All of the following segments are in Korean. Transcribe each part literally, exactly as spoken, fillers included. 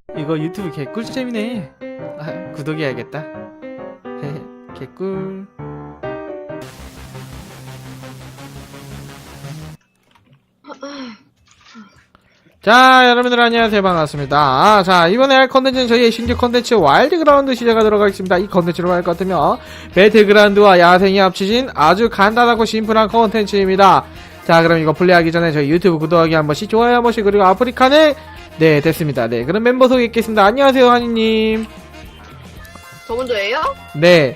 이거 유튜브 개꿀잼이네. 아, 구독해야겠다. 개꿀. 자, 여러분들 안녕하세요. 반갑습니다. 아, 자, 이번에 할 컨텐츠는 저희의 신규 컨텐츠 와일드그라운드 시작하도록 하겠습니다. 이 컨텐츠로 할 것 같으면 배틀그라운드와 야생이 합치진 아주 간단하고 심플한 컨텐츠입니다. 자, 그럼 이거 플레이하기 전에 저희 유튜브 구독하기 한 번씩, 좋아요 한 번씩, 그리고 아프리카는 네, 됐습니다. 네, 그럼 멤버 소개했겠습니다. 안녕하세요, 한이님. 저 먼저예요? 네.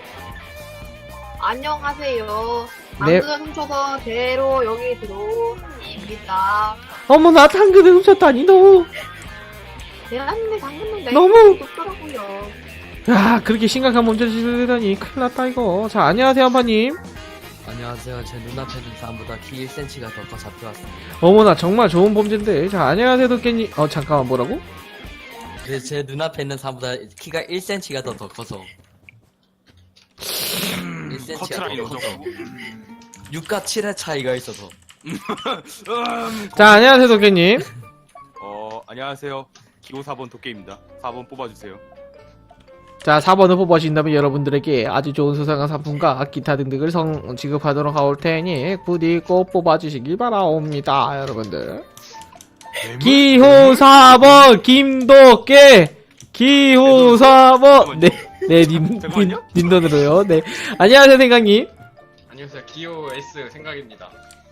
안녕하세요. 네. 당근을 훔쳐서 대로 여기 들어옵니다. 어머나, 당근을 훔쳤다니, 너. 대단한데 당근은 내 너무- 높더라고요. 야, 그렇게 심각한 문제를 되다니 큰일 났다, 이거. 자, 안녕하세요, 한파님. 안녕하세요. 제 눈앞에 있는 사람보다 키 일 센티미터가 더 커 잡혀왔습니다. 어머나, 정말 좋은 범죄인데. 자, 안녕하세요, 도깨님. 어, 잠깐만, 뭐라고? 그래서 제 눈앞에 있는 사람보다 키가 일 센티미터가 더, 더 커서 일 센티미터가 커트라인 더 커서 육과 칠의 차이가 있어서 자, 안녕하세요, 도깨님. 어, 안녕하세요. 기호 사 번 도깨입니다. 사 번 뽑아주세요. 자, 사 번을 뽑아주신다면 여러분들에게 아주 좋은 수상한 상품과 기타 등등을 성, 지급하도록 하올 테니 부디 꼭 뽑아주시길 바라옵니다, 여러분들. 기호 사 번, 김도깨! 기호 사 번! 네, 네, 님, 님, 잠깐만요. 님돈으로요. 네. 안녕하세요, 생강님. 안녕하세요. 기호 S 생각입니다.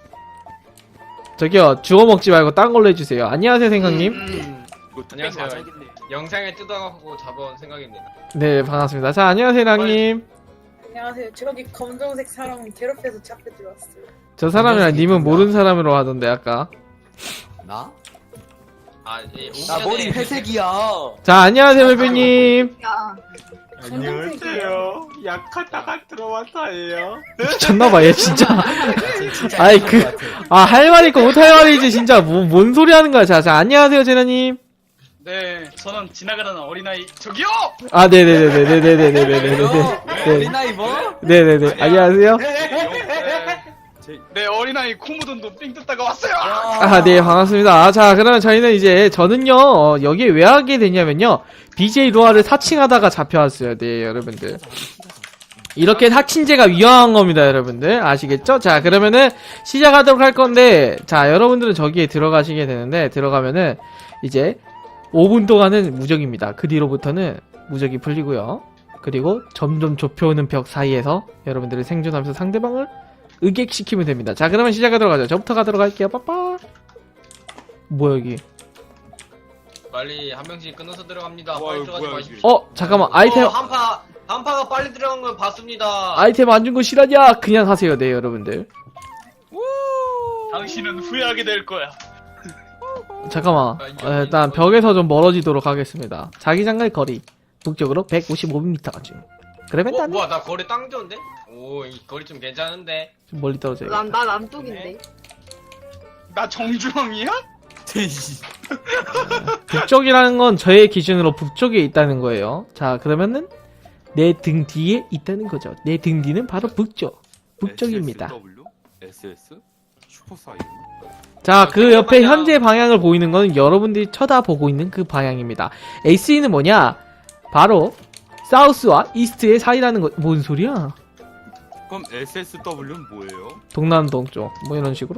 저기요, 주워 먹지 말고 딴 걸로 해주세요. 안녕하세요, 생강님. 음, 이거 뚝배기 안녕하세요. 맞아야겠네. 영상에 뜯어갖고 잡아온 생각입니다. 네, 반갑습니다. 자, 안녕하세요, 랑님. 안녕하세요. 저기 검정색 사람 괴롭혀서 잡혀 들어왔어요. 저 사람이랑 님은 모르는 사람으로 하던데, 아까. 나? 아, 예, 나 머리 회색이야. 자, 안녕하세요, 벨벨님. 야, 안녕하세요. 약하다가 들어왔어요. 미쳤나봐, 얘 진짜. 진짜 아이, 이상한 그- 것 같아. 아, 할 말 있고 못 할 말이지, 진짜. 뭐, 뭔 소리 하는 거야. 자, 자, 안녕하세요, 제나님. 네, 저는 지나가는 어린아이 저기요! 아, 네네네네네네네네네네. 네. 어린아이 뭐? 네네네. 안녕하세요. 네, 어린아이 코 묻은 돈삥 뜯다가 왔어요! 아, 네, 반갑습니다. 자, 그러면 저희는 이제, 저는요, 어, 여기에 왜 하게 됐냐면요. 비제이 로아를 사칭하다가 잡혀왔어요. 네, 여러분들. 이렇게 사칭제가 위험한 겁니다, 여러분들. 아시겠죠? 자, 그러면은, 시작하도록 할 건데, 자, 여러분들은 저기에 들어가시게 되는데, 들어가면은, 이제, 오 분 동안은 무적입니다. 그 뒤로부터는 무적이 풀리고요. 그리고 점점 좁혀오는 벽 사이에서 여러분들을 생존하면서 상대방을 의객시키면 됩니다. 자, 그러면 시작하도록 하죠. 저부터 가도록 할게요. 빠빠. 뭐야, 여기. 빨리 한 명씩 끊어서 들어갑니다. 와, 빨리 이거 들어가지 뭐야, 마십시오. 어, 잠깐만. 아이템, 어, 한파, 한파가 빨리 들어간 걸 봤습니다. 아이템 안 준 거 실화냐? 그냥 하세요. 네, 여러분들. 당신은 후회하게 될 거야. 잠깐만. 어, 일단 벽에서 좀 멀어지도록 하겠습니다. 자기장갈 거리. 북쪽으로 백오십오 미터 쯤. 그러면 어, 나는 뭐야, 나 거리 땅 좋은데? 오, 이 거리 좀 괜찮은데? 좀 멀리 떨어져요. 난, 나 남쪽인데. 나 정중앙이야? 북쪽이라는 건 저의 기준으로 북쪽에 있다는 거예요. 자, 그러면은 내 등 뒤에 있다는 거죠. 내 등 뒤는 바로 북쪽. 북쪽입니다. 에스에스더블유? 에스에스? 슈퍼사이즈? 자, 그 옆에 현재 방향을 보이는 건 여러분들이 쳐다보고 있는 그 방향입니다. 에스이는 뭐냐? 바로 사우스와 이스트의 사이라는 거. 뭔 소리야? 그럼 에스에스더블유는 뭐예요? 동남동 쪽. 뭐 이런 식으로?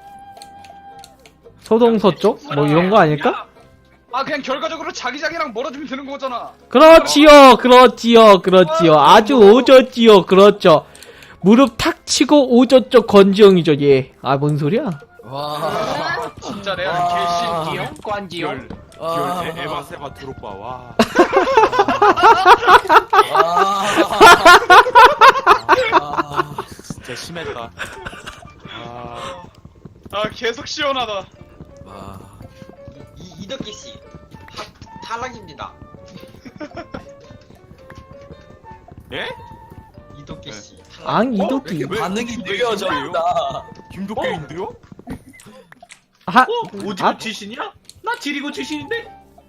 서동서쪽? 뭐 이런 거 아닐까? 야! 아, 그냥 결과적으로 자기장이랑 멀어지면 되는 거잖아. 그렇지요, 그렇지요, 그렇지요. 아주 오졌지요, 그렇죠. 무릎 탁 치고 오졌죠, 건지영이죠, 얘. 아, 뭔 소리야? 와. 진짜 레알 와. 개신기용? 관지용? 기열, 와. 기열, 에- 에바, 세바, 드롭바, 와. 와. 진짜 심했다. 아, 아, 계속 시원하다. 와. 이, 이덕기 씨. 하, 탈락입니다. 예? 이덕기 씨. 탈락. 앙, 이도끼. 왜- 반응이 왜 느려졌다. 김도깨인데요? 하, 오지구 아, 출신이야? 나 지리고 출신인데?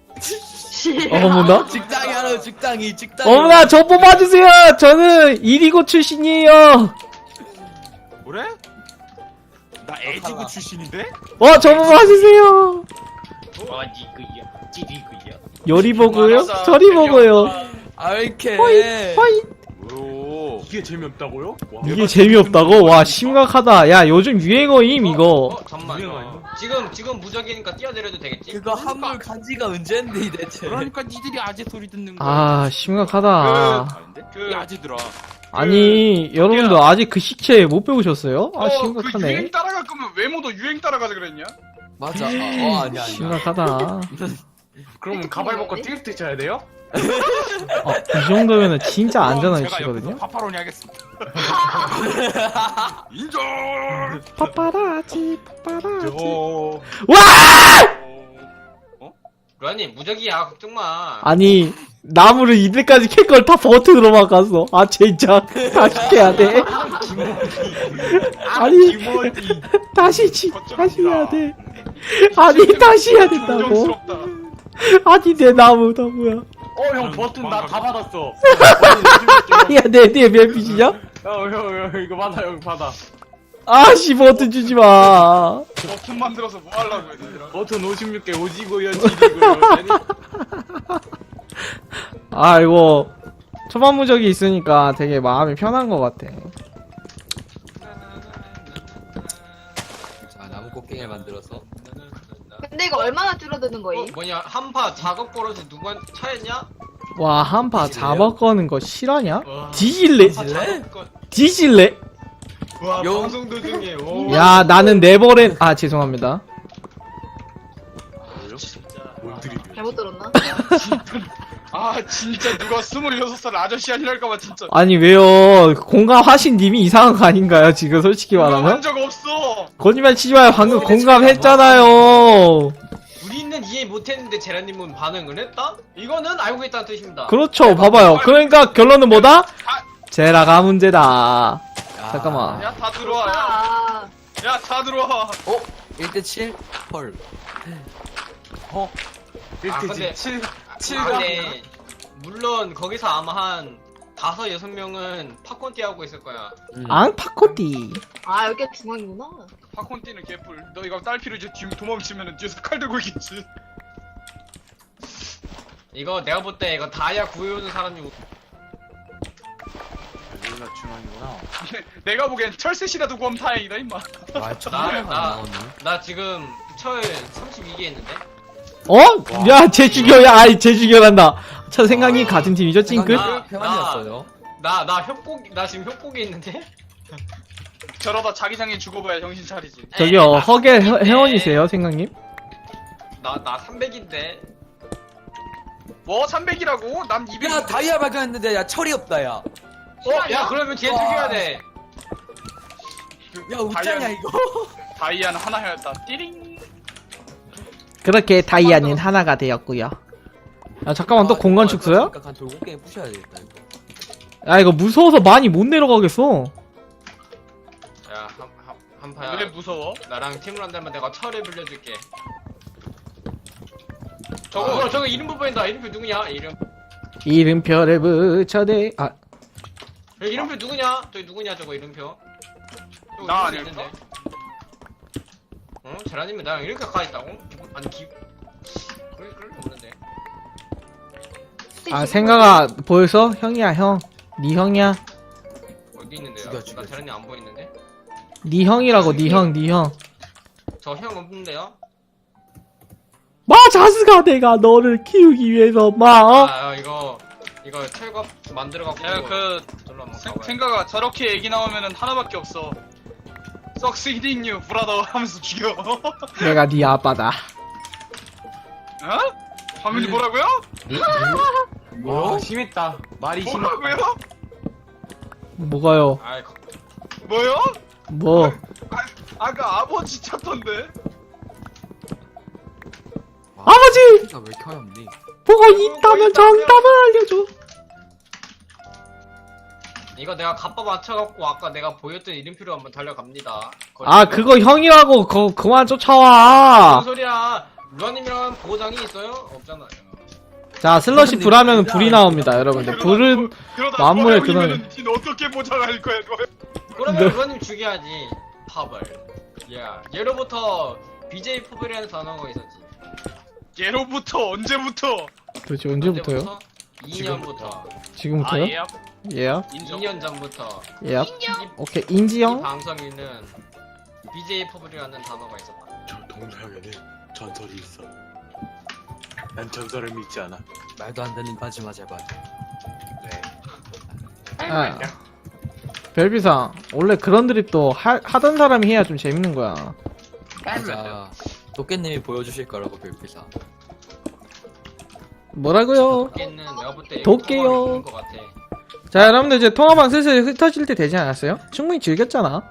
어머나? 직장이 하러 직장이 직장이. 어머나, 저 뽑아주세요! 저는 이리고 출신이에요! 그래? 나 애지구 출신인데? 어, 저 뽑아주세요! 어디구요? 지리구요. 요리 보고요? 그만하자. 저리 보고요. 아, 왜 이렇게. 허이. 오. 이게 재미없다고요? 와, 이게 재미없다고? 와, 심각하다. 야, 요즘 유행어임, 이거. 어, 잠만. 유행 아니야? 지금 지금 무적이니까 뛰어내려도 되겠지? 그거 한물 간지가 언젠데, 이 대체. 그러니까 니들이 아재 소리 듣는 거야. 아, 심각하다. 아닌데? 그- 이 아재들아. 아니, 여러분들 아직 그 식체 못 배우셨어요? 아, 어, 그 심각하네. 유행 따라갈 거면 외모도 유행 따라가자 그랬냐? 맞아. 어, 아니야, 아니야. 심각하다. 그러면 가발 벗고 띠르띠 쳐야 돼요? 어, 이 정도면은 진짜 안전한 제가 위치거든요? 옆에서 파파로니 하겠습니다. 인정. 파파라치, 파파라치. 저... 어? 루아님 무적이야 걱정 마. 아니, 나무를 이들까지 캘 걸 다 버튼으로만 갔어. 아, 진짜. 다시 해야 돼. 아니, 다시, 치, 다시 해야 돼. 아니, 다시 해야 된다고. 부정스럽다. 아니, 내 나무, 나무야. 어, 형 버튼 나 다 받았어. 야, 내, 내몇 빚이냐? 형, 형, 형, 이거 받아, 형 받아. 아씨, 버튼 주지 마. 버튼 만들어서 뭐 하려고 얘들아. 버튼 오십육 개 오지고요, 지리고요. 아, 이거, 초반무적이 있으니까 되게 마음이 편한 것 같아. 자, 나무 꽃갱이를 만들어서. 근데 이거 얼마나 줄어드는 어, 거임? 뭐냐 한파 작업 벌어지 누구한 차였냐? 와, 한파 뒤질래요? 잡아꺼는 거 실화냐? 와. 뒤질래? 뒤질래? 뒤질래? 와 요- 방송 도중에 오. 야, 나는 네버랜, 아, 죄송합니다. 뭔 드립이야. 잘못 들었나? 아 진짜 누가 스물여섯 살 아저씨 아니랄까봐 진짜. 아니, 왜요? 공감하신 님이 이상한 거 아닌가요? 지금 솔직히 말하면? 한적 없어. 거짓말 치지 마요. 방금 공감했잖아요. 우리는 이해 못했는데 제라님은 반응을 했다? 이거는 알고 있다는 뜻입니다. 그렇죠. 봐봐요. 그러니까 결론은 뭐다? 제라가 문제다. 야. 잠깐만. 야 다 들어와. 야, 아, 야 다 들어와. 어? 일 대 칠? 헐. 아, 일대 근데- 칠, 칠 아, 근데 물론 거기서 아마 한 다섯 여섯 명은 팝콘 띠하고 있을 거야. 음. 앙파코띠. 아 여기가 중앙이구나. 팝콘 뛰는 개뿔. 너 이거 딸피로 이제 뒤 도망치면은 뒤에서 칼 들고 있겠지. 이거 내가 볼 때 이거 다이아 구해오는 사람이 우- 여기가 중앙이구나. 내가 보기엔 철새시라도 구하면 다행이다 임마. 와, 천하가 안 나- 나오네. 나 지금 철 삼십이 개 했는데. 어? 야, 쟤 죽여. 야, 아이, 쟤 죽여란다. 저 생각이 같은 팀이죠, 찡끗? 나- 평안이었어요. 나 나 협곡 나 지금 협곡에 있는데. 저러다 자기장에 죽어봐야 정신 차리지. 저기요, 나 허게 회- 삼백인데. 회원이세요, 생각님? 나 나 삼백인데. 뭐 삼백이라고? 난 이백. 야, 다이아 발견했는데, 야, 철이 없다, 야. 어, 야 그러면 걔 죽여야 돼. 야, 웃자냐, 다이아- 이거? 다이아는 하나였다. 띠링. 그렇게 다이아는 하나가 되었고요. 야, 잠깐만, 또 공간 축소야? 한 돌고갱이 부셔야 되겠다, 이거. 야, 이거 무서워서 많이 못 내려가겠어. 야, 한, 한, 한파야. 왜 무서워? 나랑 팀을 한다면 내가 철을 빌려줄게. 저거, 저거 이름표 보인다. 이름표 누구냐? 이름. 이름표를 붙여대, 아, 저 이름표 누구냐? 저기 누구냐? 저거 이름표. 저거 나 이름표 아닐까? 있는데. 어? 제라님이 나랑 이렇게 가까이 있다고? 기분, 아니, 기. 그럴, 그럴 리 없는데. 아, 생각아, 보였어? 형이야, 형. 네 형이야. 어디 있는데요? 죽여, 죽여, 나 제라님 안 보이는데? 네 형이라고, 네 형, 네 형. 저 형 없는데요? 마, 자스가 내가 너를 키우기 위해서, 마, 어? 아, 아, 이거, 이거 철갑 만들어갖고. 야, 그, 절로 한번 생, 가봐요. 생각아, 저렇게 얘기 나오면은 하나밖에 없어. Succeeding you, 브라더 하면서 죽여. 내가 네 아빠다. 어? 화면이 뭐라고요? 와, 심했다. 말이 심했다. 뭐라고요? 뭐가요? 아이, 거- 뭐요? 뭐, 아까 아버지 찾던데. 아버지! 키가 왜 이렇게 어렵니? 뭐가 있다면 정답을 알려줘. 이거 내가 갑바 맞춰갖고 아까 내가 보였던 이름표로 한번 달려갑니다. 아, 그거 형이라고, 거, 그만 무슨 쫓아와. 소리야? 루아님이랑 보장이 있어요? 없잖아요. 자, 슬러시 불 하면 불이 나옵니다, 여러분들. 불은, 그러다 만물의 버려이면은 닌 어떻게 보장할 거야, 너? 그러면 루아님 죽여야지. 파벌. 야, 예로부터 비제이 포블이라는 단어가 있었지. 예로부터 언제부터? 도대체 언제부터요? 이 년부터. 지금부터요? 아 예요? 예요? 인정. 이 년 전부터. 예요? 오케이 이 인지영? 방송에는 비제이 퍼블이라는 단어가 있었다. 저 동서에게는 전설이 있어. 난 전설을 믿지 않아. 말도 안 되는 거지마 제발. 네. 아 별비상 원래 그런 드립도 하, 하던 사람이 해야 좀 재밌는 거야. 맞아. 도깨님이 보여주실 거라고 별피사. 뭐라고요? 도끼는 내가 볼 때 도끼요. 것 같아. 자 여러분들 이제 통화방 슬슬 흩어질 때 되지 않았어요? 충분히 즐겼잖아.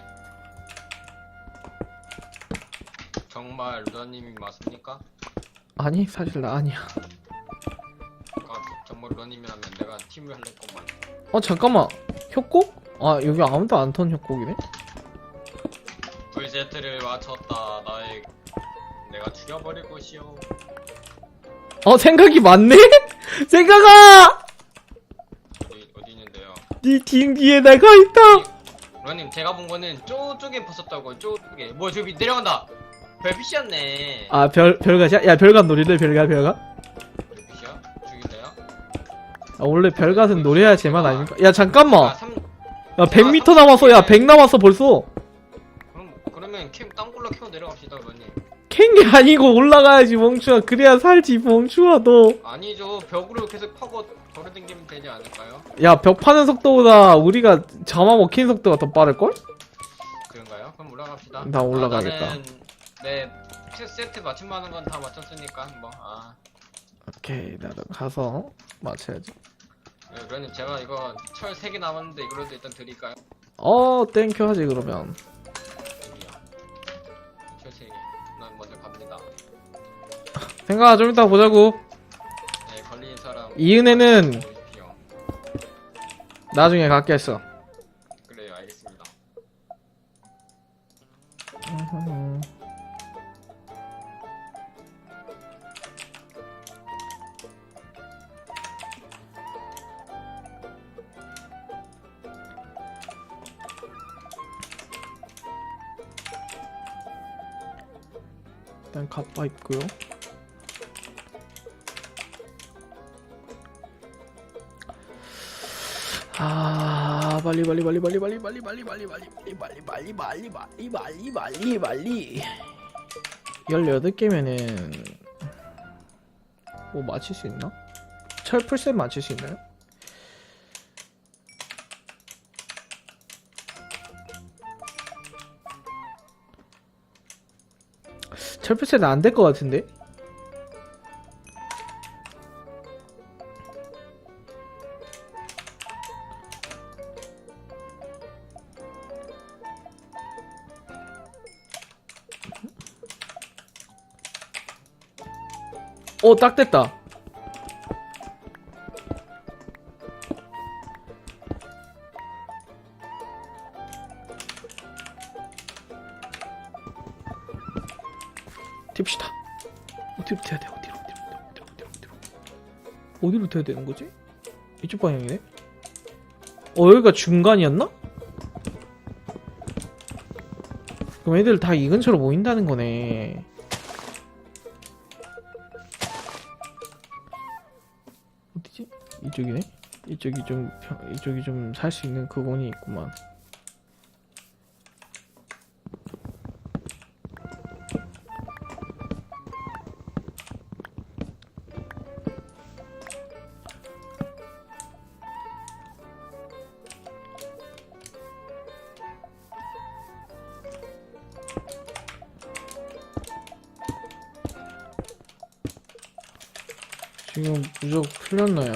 정말 루다님이 맞습니까? 아니 사실 나 아니야. 아, 정말 루다님이라면 내가 팀을 할래 것만. 어 잠깐만 협곡? 아 여기 아무도 안 턴 협곡이네. 브이제트를 맞췄다. 나의 내가 죽여버릴 것이오. 어 생각이 많네? 생각아! 어디 어디 있는데요? 네 뒤 뒤에 내가 있다. 루다님 제가 본 거는 쪼쪽에 벗었다고. 쪼쪽에. 뭐 저기 내려간다. 별빛이었네. 아 별 별가시야? 야 별가 놀이래 별가 별가? 별빛이야? 죽일래요? 아 원래 별갓은 노래야 제맛 아닙니까? 야 아, 잠깐만. 삼, 야 백 미터 남았어. 야 백 남았어 벌써. 그럼 그러면 캠 땅굴로 키워 내려갑시다, 루다님. 캔 게 아니고 올라가야지 멍충아. 그래야 살지 멍충아 너. 아니죠. 벽으로 계속 파고 걸어당기면 되지 않을까요? 야 벽 파는 속도보다 우리가 점화 먹힌 속도가 더 빠를걸? 그런가요? 그럼 올라갑시다. 나 올라가겠다. 아, 나는 네 세- 세트 맞춤하는 건 다 맞췄으니까 뭐. 아, 오케이 나도 가서 맞춰야지. 네, 루다님 제가 이거 철 세 개 남았는데 이거라도 일단 드릴까요? 어 땡큐 하지 그러면. 여기요. 철 세 개. 난 먼저 갑니다. 생각아 좀 이따 보자고. 네, 걸린 사람. 이은혜는 보십시오. 나중에 갖겠어. 그래요, 알겠습니다. 일단 갑바 있고요. 아 빨리 빨리 빨리 빨리 빨리 빨리 빨리 빨리 빨리 빨리 빨리 빨리 빨리 빨리 빨리 빨리 빨리 열여덟 개면은 뭐 맞힐 수 있나? 철 풀셋 맞힐 수 있나요? 철 풀셋은 안 될 것 같은데? 오, 딱 됐다. 튑시다. 어디로 튀어야 돼? 어디로, 어디로, 어디로, 어디로, 어디로. 어디로 튀어야 되는 거지? 이쪽 방향이네? 어, 여기가 중간이었나? 그럼 애들 다 이 근처로 모인다는 거네. 어디지? 이쪽이네? 이쪽이 좀, 평- 이쪽이 좀 살 수 있는 그건이 있구만. 지금 무적 풀렸나요?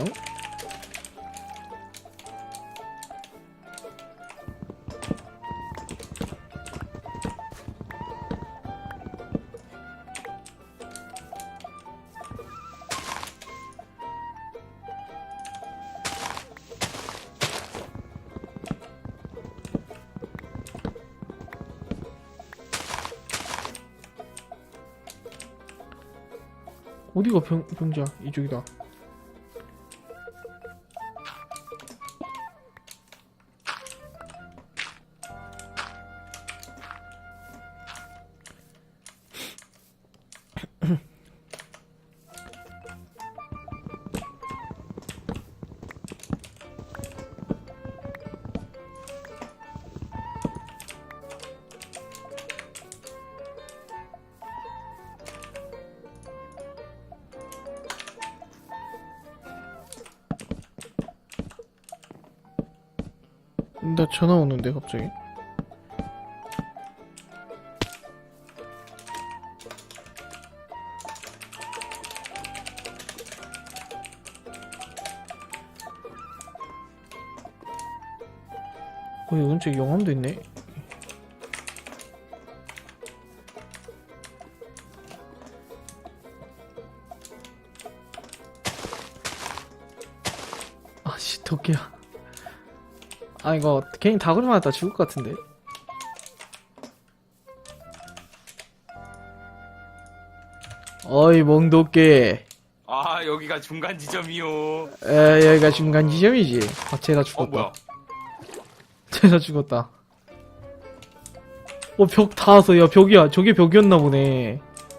어디가 병, 병자? 이쪽이다. 나 전화 오는데 갑자기. 어, 여기 근처에 영암도 있네. 아씨, 덕기야. 아, 이거 괜히 다구리 맞았다 죽을 것 같은데. 어이, 멍도끼. 아 여기가 중간 지점이요. 에, 여기가 중간 지점이지. 아, 쟤가 어 죽었다. 뭐야? 쟤가 죽었다. 어, 벽 닿았어. 야, 벽이야. 저게 벽이었나 보네.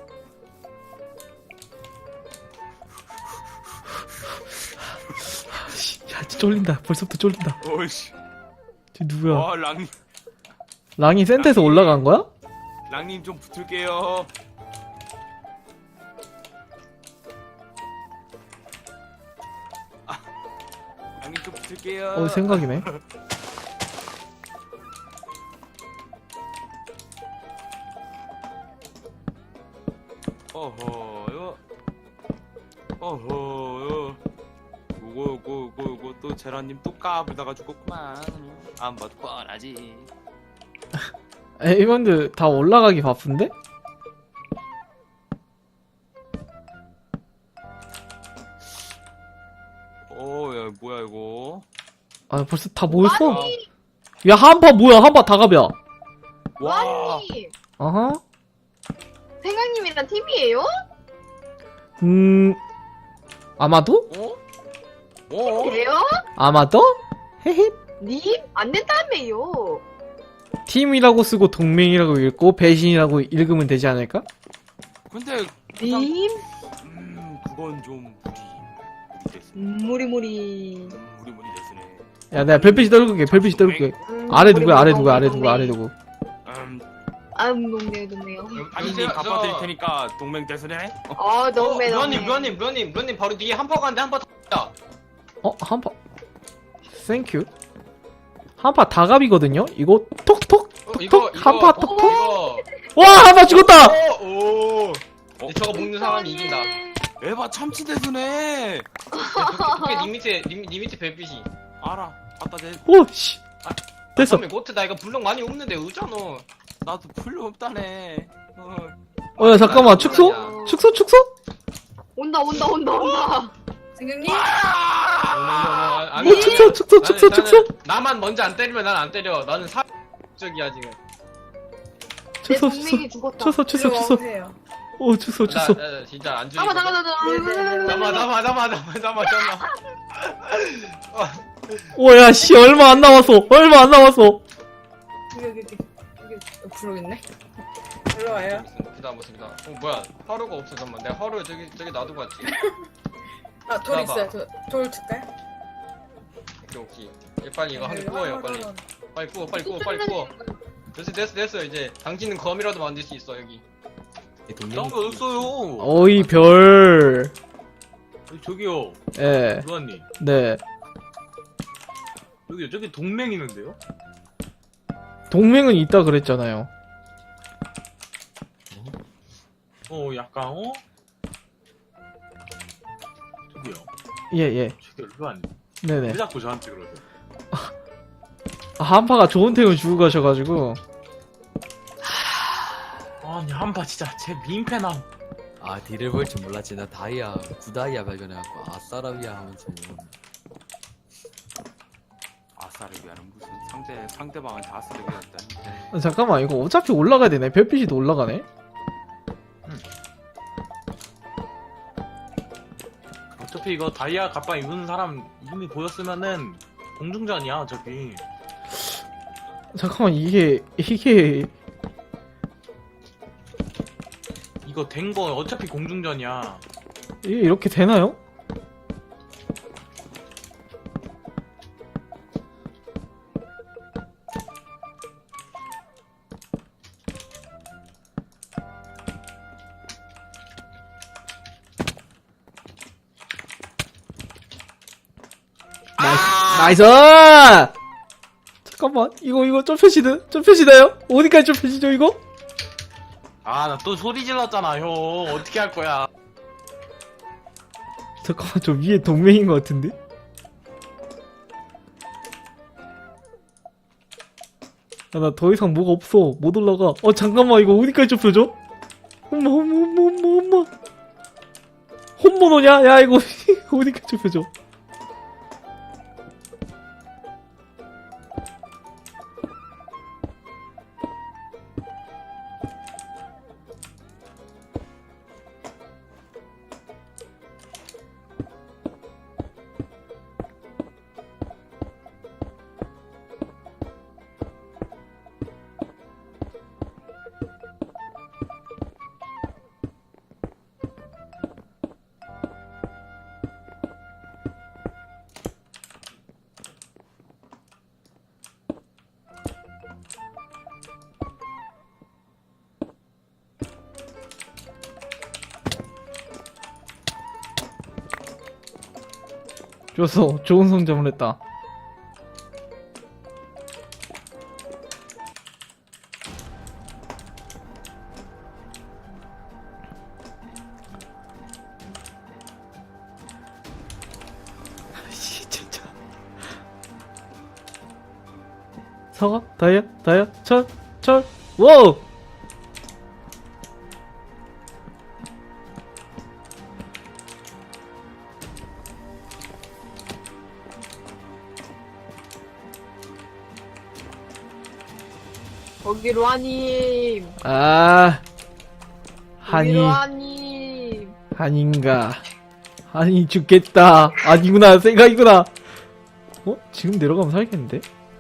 야, 진짜 쫄린다. 벌써부터 쫄린다. 오씨. 쟤 누구야? 와 랑님 랑이 센터에서 올라간 거야? 랑님 좀 붙을게요. 아, 랑님 좀 붙을게요. 어, 생각이네. 어허요. 어허요. 요거 요거 요거 요거 또 제라님 또 까불다가 죽었구만. 안 봐도 뻔하지. 에이번들 다 올라가기 바쁜데? 어야 뭐야 이거. 아, 벌써 다 모였어? 아니, 야, 한파 뭐야? 한파 다갑이야. 와. 아니, 어허. 생강님이랑 팀이에요? 음, 아마도? 어? 어? 돼요? 아마도? 헤헤. 님? 안 된다며요. 팀이라고 쓰고 동맹이라고 읽고 배신이라고 읽으면 되지 않을까? 근데 님? 음 그건 좀 무리 무리 됐어. 음, 무리무리. 음, 무리 무리 됐으네. 야, 내가 별빛이 떨굴게. 별빛이 떨굴게. 음, 아래 누구야? 아래 무리무리 누구야? 아래 동맹. 누구? 아래 누구? 음 아, 동네, 동네요. 아니님 갚아드릴 테니까 동맹 대선해. 어, 동네, 루아님, 동네. 루아님, 루아님, 루아님 바로 뒤에 한파 가는데 한파 다. 어, 한파. 땡큐. 한파 다갑이거든요? 이거 톡톡? 어, 이거 톡? 이거 한파 어, 톡톡? 이거. 와, 한파 죽었다! 오, 오. 어? 저거 먹는 사람이 이긴다. 에바 참치 대선해. 그게 니 밑에 니, 니 밑에 별빛이. 알아. 갖다 대. 오, 씨. 됐어. 그러면 고트 나 이거 블록 많이 없는데 의잖아. 나도 풀로 없다네. 어. 어, 야, 잠깐만. 축소? 축소, 축소? 온다, 온다, 온다, 온다. 생강님? 아니, 어, 축소, 축소, 축소, 나는- 축소? 나는 나만 먼저 안 때리면 난 안 때려. 나는 사적이야 지금. 내 축소, 축소. 동맹이 죽었다. 축소, 축소, 일로 축소. 와보세요. 오, 축소, 나, 축소. 나, 나 진짜 안 죽이. 잠깐만, 잠깐만, 잠깐만. 잠깐만, 잠깐만, 잠깐만, 잠깐만, 잠깐만. 오, 야, 씨, 얼마 안 남았어. 얼마 안 남았어. 여기, 여기, 여기, 여기 어, 부르겠네. 일로 와요. 기다 못습니다. 어 뭐야? 하루가 없어 잠만. 내가 하루 저기 저기 놔두고 왔지. 아, 돌 나봐. 있어요. 돌, 돌 줄까요? 오케이 오케이. 얘 빨리 이거 한 개 여기 구워요 하나, 빨리. 하나, 하나. 빨리 구워 빨리 구워 빨리 구워. 됐어 됐어 됐어 이제 당신은 검이라도 만들 수 있어 여기. 동맹이 딴거 없어요. 어이, 별. 저기요, 예, 루아님. 네. 여기 저기 동맹 있는데요? 동맹은 있다 그랬잖아요. 어, 약간 어? 저기요, 예, 예. 저기 루아님. 네네. 왜 자꾸 저한테 그러세요? 아, 한파가 좋은 템을 주고 가셔가지고. 아니 한파 진짜 제 민폐나. 아 딜을 볼 줄 몰랐지. 나 다이아 구다이아 발견해갖고 아싸라비아 하면서 아싸르비아는 무슨 상대 상대방한테 아싸르비아였다. 아, 잠깐만, 이거 어차피 올라가야 되네. 별빛이 또 올라가네. 어차피 이거 다이아 갑바 입은 사람 이름이 보였으면은 공중전이야 어차피. 잠깐만, 이게, 이게, 이거 된 거 어차피 공중전이야. 이게 이렇게 되나요? 나이스! 나이스! 잠깐만, 이거, 이거 좁혀지는, 좁혀지나요? 어디까지 좁혀지죠, 이거? 아, 나 또 소리 질렀잖아, 형. 어떻게 할 거야? 잠깐만, 저 위에 동맹인 것 같은데? 야, 나 더 이상 뭐가 없어. 못 올라가. 어, 잠깐만, 이거 어디까지 좁혀져? 엄마, 엄마, 엄마, 엄마, 엄마. 홈모노냐? 야, 이거 어디까지 좁혀져? 좋았어. 좋은 성장을 했다. 씨, 진짜. 사과? 다이아? 다이아? 철? 철? 와우! 거기로 하님. 아, 한이, 거기로 하님. 한인가. 한이 죽겠다. 아니구나, 생각이구나. 어? 지금 내려가면 살겠는데?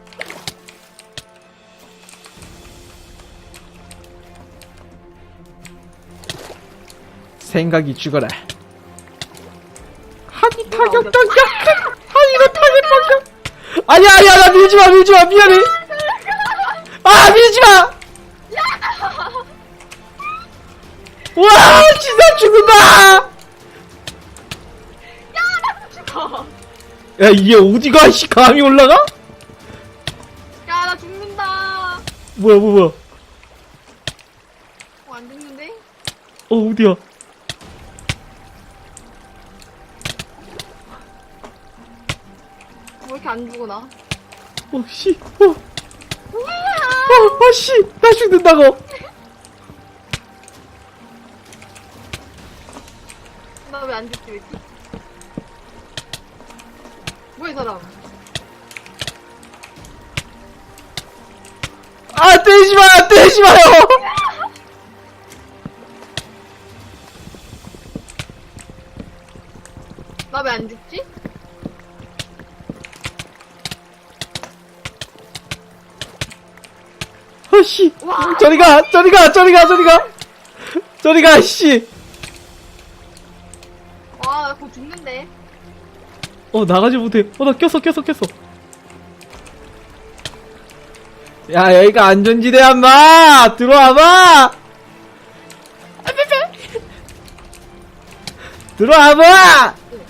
생각이 죽어라. 한이 타격적 약한! 한이가 타격적 약! 아니야, 아니야, 나 밀지마, 밀지마, 미안해! 아, 밀지마! 와, 진짜 죽는다! 야, 이게 어디가, 씨, 감이 올라가? 야, 나 죽는다. 뭐야, 뭐야, 뭐야. 어, 안 죽는데? 어, 어디야? 왜 이렇게 안 죽어, 나? 어, 씨, 어. 어, 아, 씨, 나 죽는다고. 나 왜 안 죽지, 왜 이렇게? 뭐야, 이 사람? 아, 때리지 마, 때리지 마요. 나 왜 안 죽지? 아, 씨. 와. 저리 가, 저리 가, 저리 가, 저리 가. 저리 가, 씨. 와, 나 곧 죽는데. 어, 나가지 못해. 어, 나 꼈어, 꼈어, 꼈어. 야, 여기가 안전지대야, 인마! 들어와봐! 들어와봐! 나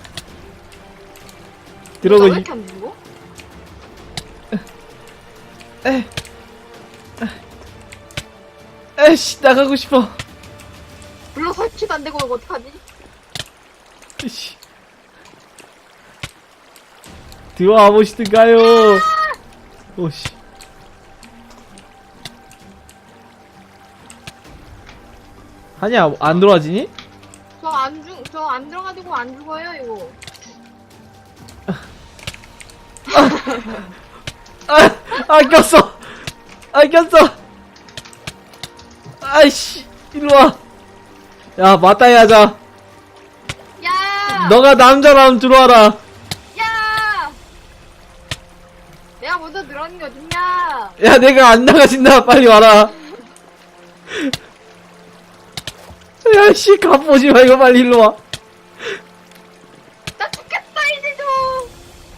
들어오고, 왜 이, 이렇게 안 죽어? 에, 에이씨, 나가고 싶어. 불러 설치도 안 되고, 이거 어떡하지? 씨. 들어와 보시든가요. 오씨. 아니야, 안 들어와지니? 저 안 죽, 저 안 들어가지고 안 죽어요, 이거. 아, 아, 꼈어. 아, 꼈어. 아이씨, 일로 와. 야, 맞다이 하자. 야! 너가 남자라면 들어와라. 야! 내가 먼저 들어가는 게 어딨냐? 야, 내가 안 나가진다. 빨리 와라. 야, 씨, 갑보지 마. 이거 빨리 일로 와. 나 죽겠다, 이제 좀!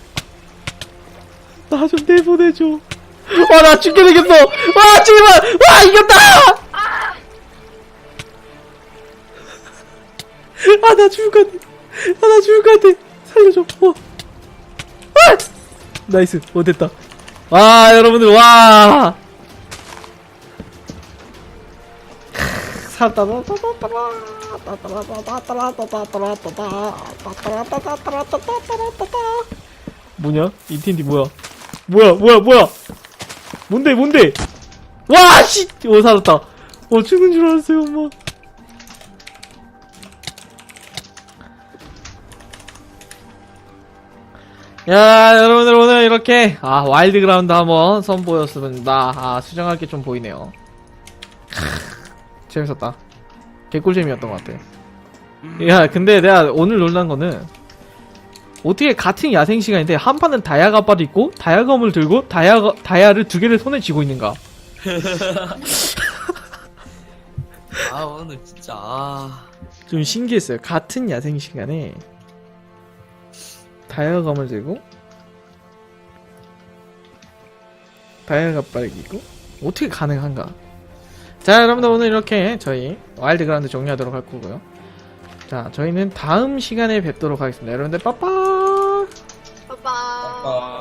나 좀 내보내줘. 와, 나 죽게 생겼어. 와, 제발. 와, 이겼다. 아, 나 죽을 것 같아. 아, 나 죽을 것 같아. 살려줘. 어. 아! 나이스. 어, 됐다. 와, 여러분들, 와! 뭐냐? 인텐디 뭐야? 뭐야, 뭐야, 뭐야? 뭔데, 뭔데? 와, 씨! 오, 살았다. 어, 죽은 줄 알았어요, 엄마. 야, 여러분들 오늘 이렇게 아 와일드 그라운드 한번 선보였습니다. 아 수정할 게 좀 보이네요. 크, 재밌었다. 개꿀잼이었던 것 같아. 야, 근데 내가 오늘 놀란 거는 어떻게 같은 야생 시간인데 한 판은 다이아 갑바도 있고 다이아검을 들고 다이아 다이아를 두 개를 손에 쥐고 있는가? 아 오늘 진짜 아 좀 신기했어요. 같은 야생 시간에 다이아검을 들고 다이아 갑바를 끼고 어떻게 가능한가? 자, 여러분들 오늘 이렇게 저희 와일드 그라운드 종료하도록 할 거고요. 자, 저희는 다음 시간에 뵙도록 하겠습니다. 여러분들 빠빠. 빠빠.